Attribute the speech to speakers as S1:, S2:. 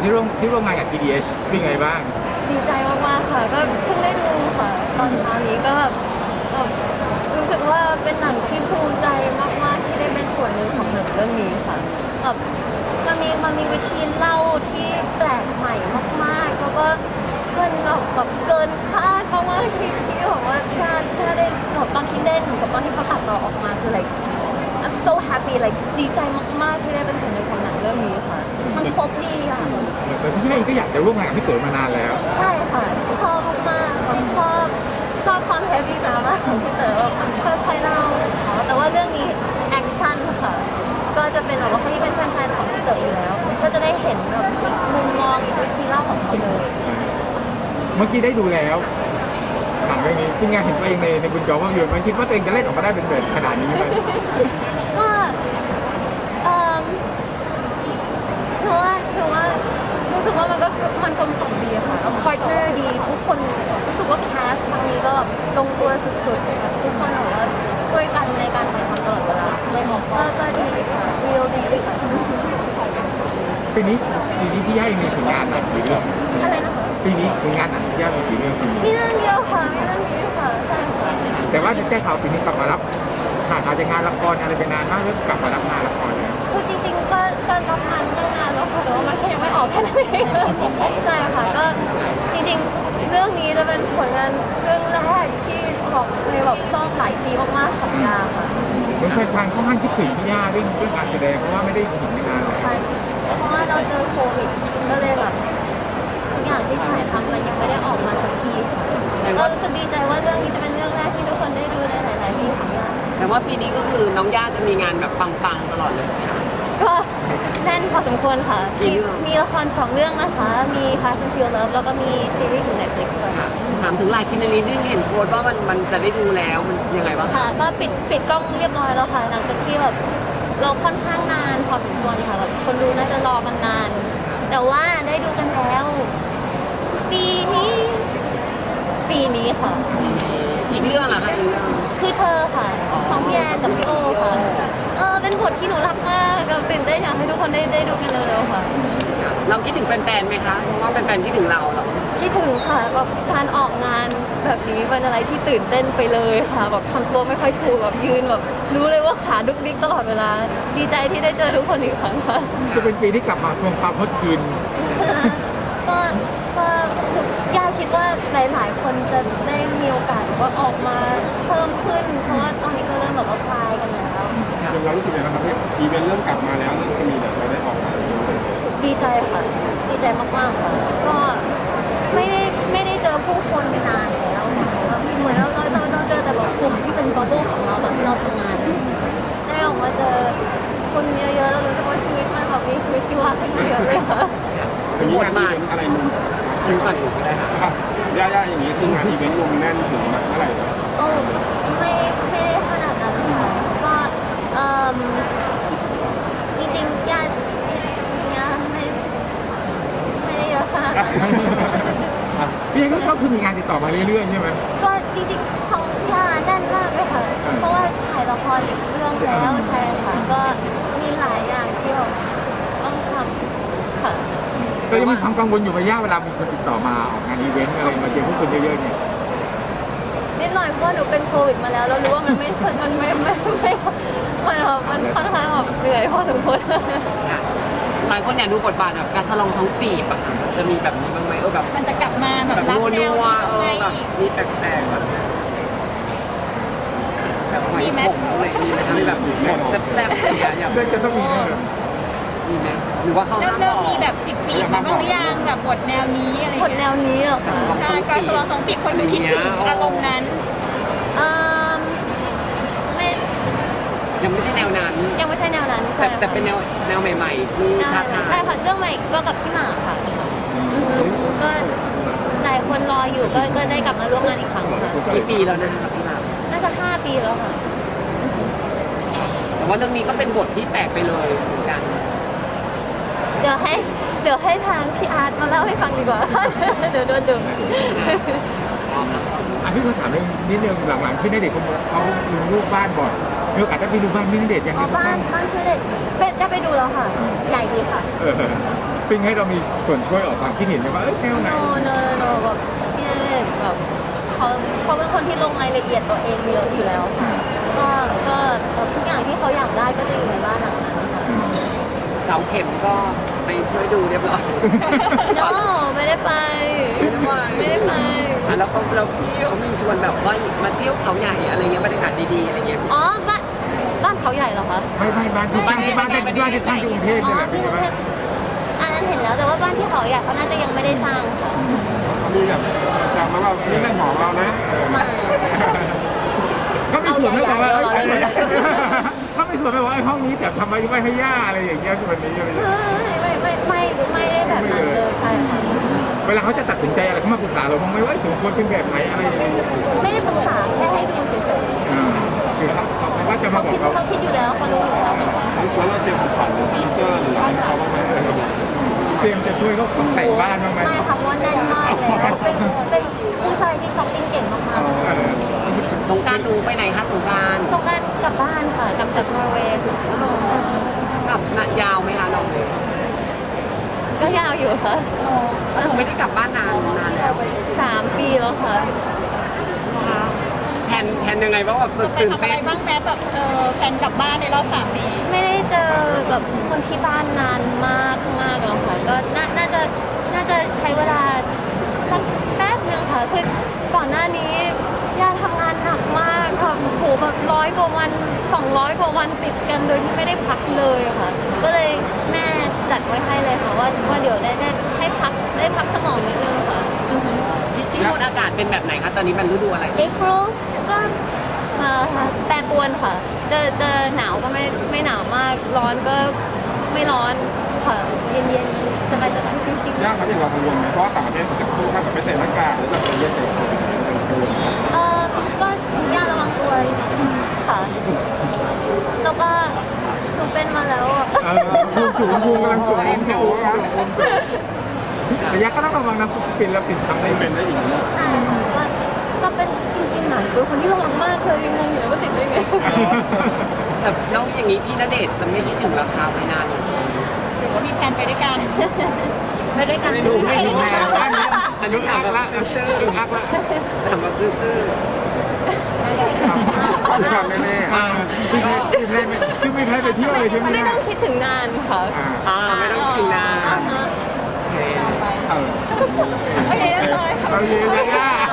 S1: ที่ร่วมงานกับ GDH เป็นไงบ้าง
S2: ดีใจมากๆค่ะก็เพิ่งได้ดูค่ะตอนนี้ก็แบบรู้สึกว่าเป็นหนังที่ภูมิใจมากๆที่ได้เป็นส่วนหนึ่งของหนังเรื่องนี้ค่ะแบบมันมีวิธีเล่าที่แปลกใหม่มากๆแล้วก็แบบเกินคาดมากๆที่แบบว่าถ้าได้แบบตอนที่เล่นกับตอนที่เขาตัดต่อออกมาคือ like I'm so happy like ดีใจมากๆที่ได้เป็นส่วนหนึ่งของหนังเรื่องนี้ค่ะมันครบดีอ่ะ
S1: แต่พี่เองก็อยากจะร่วมงานกับพี่เต๋อมานานแล้ว
S2: ใช่ค่ะชอบมากๆแบบชอบความเฮฟวี่ดราม่าของพี่เต๋อค่อยๆเล่าแต่ว่าเรื่องนี้แอคชั่นค่ะก็จะเป็นแบบว่าคนที่เป็นแฟนๆของพี่เต๋ออยู่แล้วก็จะได้เห็นแบบอีกมุมมองอีกวิธีเล่าของเขาเลย
S1: เมื่อกี้ได้ดูแล้วหนังเรื่องนี้ที่งานเห็นตัวเองในบนจอภาพยนตร์มันคิดว่าตัวเองจะเล่นออกมาได้เป็นแบบขนาดนี้ไหม
S2: ก็เพราะว่ารู้สึกว่ามันกลมกล่อมดีค่ะแล้วพาร์ทเนอร์ดีทุกคนรู้สึกว่าแคสครั้งนี้ก็แบบลงตัวสุดๆทุกคนแบบว่าช่วยกันในการถ่ายทำตลอดเวลาก็ดีค่ะวิวดีค่ะ
S1: ปีนี้พี่ย่ายังมีผลงานหนังกี่เรื่อง
S2: อะไรนะคะ
S1: ปีนี้ผลงานหนังพี่ย่ามีกี่เรื่อง
S2: มีเรื่องเดียวค่ะมีเรื่องนี้ค่ะใช่ค่ะ
S1: แต่ว่าแจ้ข่าวปีนี้กลับมารับห่างอาจจะงานละครอะไรไปนานมากแล้วกลับมารับงานละครเนี่ย
S2: คือจริงๆก็รับงานตั้งนานแล้วค่ะแต่ว่ามันยังไม่ออกแค่นั้นเองใช่ค่ะก็จริงๆเรื่องนี้จะเป็นผลงานเรื่องแรกที่บอกในแบบต้องหลายปีมากๆของยาค่ะ
S1: เหมือนแฟนๆค่อนข้างคิดถึงพี่ย่าเรื่องการแสดงเพราะว่าไม่ได้เห็นนานเลย
S2: ใช่เพราะว่าเราเจอโควิดก็เลยแบบทุกอย่างที่ถ่ายทำมันยังไม่ได้ออกมาสักทีก็รู้สึกดีใจว่าเรื่องนี้จะเป็นเรื่องแรกที่ทุกคนได้ดูในหลายๆปีของยา
S3: แต่ว่าปีนี้ก็คือน้องย่าจะมีงานแบบปังๆตลอดเลยใช่ไหมคะ
S2: ก็แน่นพอสมควรค่ะมีละคร2 เรื่องนะคะมี Fast and Furious แล้วก็มีซีรีส์ของ Netflix ด้วยค่ะ
S3: ถามถึงลายคินนารีนึงเห็นโพสต์ว่ามันจะได้ดูแล้วมันยังไงบ้าง
S2: ค่ะก็ปิดกล้องเรียบร้อยแล้วค่ะหลังจากที่แบบเราค่อนข้างนานพอสมควรค่ะแบบคนดูน่าจะรอกันนานแต่ว่าได้ดูกันแล้วปีนี้ค่ะ
S3: อีกเรื่องเหรอคะ
S2: คือเธอค่ะของพี่แอนกับพี่โอค่ะเป็นบทที่หนูรักมากกับตื่นเต้นอยากให้ทุกคนได้ดูกันเร็วๆค่ะ
S3: เราคิดถึงแฟนๆไหมคะเพราะว่าแฟนๆคิดถึงเราหรอ
S2: คิดถึงค่ะแบบการออกงานแบบนี้เป็นอะไรที่ตื่นเต้นไปเลยค่ะแบบทำตัวไม่ค่อยถูกแบบยืนแบบรู้เลยว่าขาดุกดิกตลอดเวลาดีใจที่ได้เจอทุกคนอีกครั้งค่ะ
S1: จะเป็นปีที่กลับมาทวงความฮอตคืน
S2: ก็ย่าคิดว่าหลายๆคนจะได้มีโอกาสว่าออกมาเพิ่มขึ้นเพราะว่าตอนนี้ก็เริ่มแบบว่าคลายกันแล้ว
S1: เรารู้สึกยังไงครับที่อีเวนต์เริ่มกลับมาแล้วจะมีแบบเราได้ออก
S2: ดีใจค่ะดีใจมากๆค่ะก็ไม่ได้เจอผู้คนนานแล้วเหมือนเราเจอแต่แบบกลุ่มที่เป็นบับเบิ้ลของเราตอนที่เราทำงานได้ออกมาเจอคนเยอะๆแล้วรู้สึกว่าชีวิตมันแบบมีชีวิตชีวาขึ้นเยอะเลยค่ะ
S1: เป็นงานอีเวนต์อะไรมึง
S3: คิวก่อนอยู่ก็ได้
S1: ค่ะย่าอย่างนี้คืองานอีเวนต์วงแน่นถึงเท่าไหร่
S2: ไม่ได้ขนาดนั้นค่ะก็จริงๆย่าไม่ได้เยอะขนาดนั้น
S1: พี่ก็คือมีงานติดต่อมาเรื่อยๆใช่ไหม
S2: ก็จริงๆของย่าแน่นมากเลยค่ะเพราะว่าถ่ายละครอีกเรื่องแล้วใช่ค่ะก็มีหลายอย่างที่เราต้องทำค่ะ
S1: ก็ยังมีความกังวลอยู่ไหมย่าเวลามีคนติดต่อมาออกงานอีเวนต์อะไรมาเจอผู้คนเยอะๆเนี่ย
S2: นิดหน่อยเพราะหนูเป็นโควิดมาแล้วเรารู้ว่ามันค่อนข้างแบบเหนื่อยพอสมควร
S3: หลายคนอยากดูบทบาทแบบการสลองท้องปีบอะจะมีแบบนี้บ้างไหมแบบ
S2: มันจะกลับมาแบบรับแนว
S3: แบบมีแปลกๆแบบหอยขมอะไรมีไหมคะมีแบบหมดแซ่บๆอะไรอย่างเงี้ย
S1: จะต้องมี
S3: มีไหมหรือว่าเขา
S4: เริ่มมีแบบจิกๆมาบ้างหรือยังแบบบทแนวนี้อะไร
S2: บทแนวนี้เหรอคะ
S4: ใช่การสลองสองปีคนดูคิดถึงอารมณ์นั้น
S3: ยังไม่ใช่แนวนั้น
S2: ใช่
S3: แต่เป็นแนวใหม่ๆที่ท้าทาย
S2: ใช่ค่ะเรื่องใหม่ก็กับพี่หมากค่ะก็หลายคนรออยู่ก็ได้กลับมาร่วมงานอีกครั้งค่ะ
S3: กี่ปีแล้วนะคะพี่หมาก
S2: น่าจะ5 ปีแล้วค่ะ
S3: แต่ว่าเรื่องนี้ก็เป็นบทที่แปลกไปเลยเหมือนกัน
S2: เดี๋ยวให้ทางพี่อาร์ตมาเล่าให้ฟังดีกว่าเดี๋ยวโดนดึง
S1: พี่เขาถามนิดนึงหลังๆพี่ณเดชน์เขาลงรูปบ้านบ่อยมีโอกาสได้ไปดูบ้านพี่ณเดชน์ยัง
S2: อ๋อ
S1: ไง
S2: บ้านคือเด็กเป็ดจะไปดูแล้วค่ะ ใหญ่ดีค่ะ
S1: เออปิ้งให้เรามีส่วนช่วยออกความคิดเห็นไหมว่าแนวไหน
S2: โนแบบพี่ณเดชน์แบบเขาเป็นคนที่ลงรายละเอียดตัวเองเยอะอยู่แล้วค่ะก็ทุกอย่างที่เขาอยากได้ก็จะอยู่ในบ้านหลังนั้นค่ะ
S3: เสาเข็มก็ไปช่วยดูเรียบร้อย
S2: no ไม่ได้ไป ไม่ได้ไป
S3: อ่ะแล้วพี่เขามีชวนแบบว่ามาเที่ยวเขาใหญ่อะไรเงี้ยบรรยากาศดีๆอะไรเงี้ย
S2: อ๋อบ้านเขาใหญ่เหรอคะ
S1: ไม่บ้านที่ตั้งที่กรุงเทพ
S2: อ๋
S1: นี่
S2: อ
S1: แหละ
S2: ที่กรุงเทพอันนั้นเห็นแล้วแต่ว่าบ้านที่เขาใหญ่เขาน่าจะยังไม่ได้สร้างค่ะ
S5: มีแบบจำมาว่านี่เรื่องของเรานะ
S2: ไมา
S1: ก็มีส่วนไม่บอกว่า
S2: เอาใหญ่ๆ
S1: ก็มีส่วนไม่บอกว่าห้องนี้แบบทำไมไม่ให้ย่าอะไรอย่างเงี้ยวันนี้อะไรอย่างเงี้ย
S2: ไม่ได้แบบนั้นเลยใช่ค่ะ
S1: เวลาเขาจะตัดสินใจอะไรเขามาปรึกษาเราบ้างไหมว่าถึงควรเป็นแบบไหนอะไรอย่างเงี้ย
S2: ไม่ได้ปรึกษาแค่ให้ดูเฉย
S1: คือเขาว่าจะ
S2: ๆ
S1: มาบอกเรา
S2: เขาคิดอยู่แล้วเขารู้อยู่แล้ว
S5: แล้วเราเตรียมของขวัญหรือฟีเจอร์หรืออะไรให้เขาบ้างไหม
S1: เตรียมจะช่วยเขาแต่งบ้านบ้างไหม
S2: ไม่ค่ะเพราะว่าแน่นมากเลยเป็นผู้ชายที่ช้อปปิ้งเก่งมากๆ
S3: สงกรารดูไปไหนคะสงกราร
S2: สงกรานต์กลับบ้านค่ะกลับจากนอร์เวย์
S3: กลับยาวไหมคะเรา
S2: ก็ยาวอยู่ค่ะ
S3: ผมไม่ได้กลับบ้านนานแล้ว
S2: 3 ปีแล้วค่ะ
S3: แทนยังไงบ้างแบบ
S4: จะไป
S3: ตื่น
S4: ทำอะไร
S3: เต้น
S4: บ้างแม้แบบแฟนกลับบ้านในรอบ3 ปี
S2: ไม่ได้เจอแบบคนที่บ้านนานมากแล้วค่ะก็น่าจะใช้เวลาสักแป๊บนึงค่ะคือก่อนหน้านี้ย่าทำงานหนักมากค่ะโหแบบ100 กว่าวัน200 กว่าวันติดกันโดยที่ไม่ได้พักเลยค่ะ ก็เลยแม่จัดไว้ให้เลยค่ะว่าเดี๋ยวได้ให้ได้พักสมองนิดนึงค่ะ
S3: ที่นู่นอากาศเป็นแบบไหนคะตอนนี้มันฤดูอะไร
S2: April ก็แปรปรวนค่ะเจอหนาวก็ไม่หนาวมากร้อนก็ไม่ร้อนค่ะเย็นๆสบายๆชิวๆ
S5: ยากครับที่เรากังวลไหมเพราะว่าต่างประเทศจะพูดถ้าแบบไม่ใส่หน้ากากหรือแบบจะเย็นเกินไป
S2: ก็ย่าระวังตัวค่ะ แล้วก็หนูเป็นมาแล้วอ่ะ
S1: ภูมิกำลังสูงแต่ยักษ์ก็ต้องระวังนะปิดแล้วปิดทำได้
S5: เป็นได้อีกนะ
S2: ใช่ค่ะก็เป็นจริงๆหนูเป็นคนที่ระวังมากเลยยังงงอยู่เลยว่าติดได้ไง
S3: แต่แล้วอย่างนี้พี่ณเดชน์จะไม่คิดถึงราคาไม่นาน
S4: หรือว่ามีแผนไปด้วยกัน
S2: ไม่ด้วยกัน
S3: ไม่รู้ไม่รู้
S1: แม่อันนี้อักละ
S3: ซื่อ
S1: อักละ
S3: ๆถามแบบซื่อ
S1: ทำแม่คือไม่แพ้ไปเที่ยวเลยใช่ไหม
S2: ไม่ต้องคิดถึงนานค่ะ
S3: ๆไม่ต้องคิดถึงนาน
S2: อ่าฮะ
S3: โอเค
S1: เออ
S2: โอเคเรียบร้อยค่ะ
S1: เอาเยอะๆ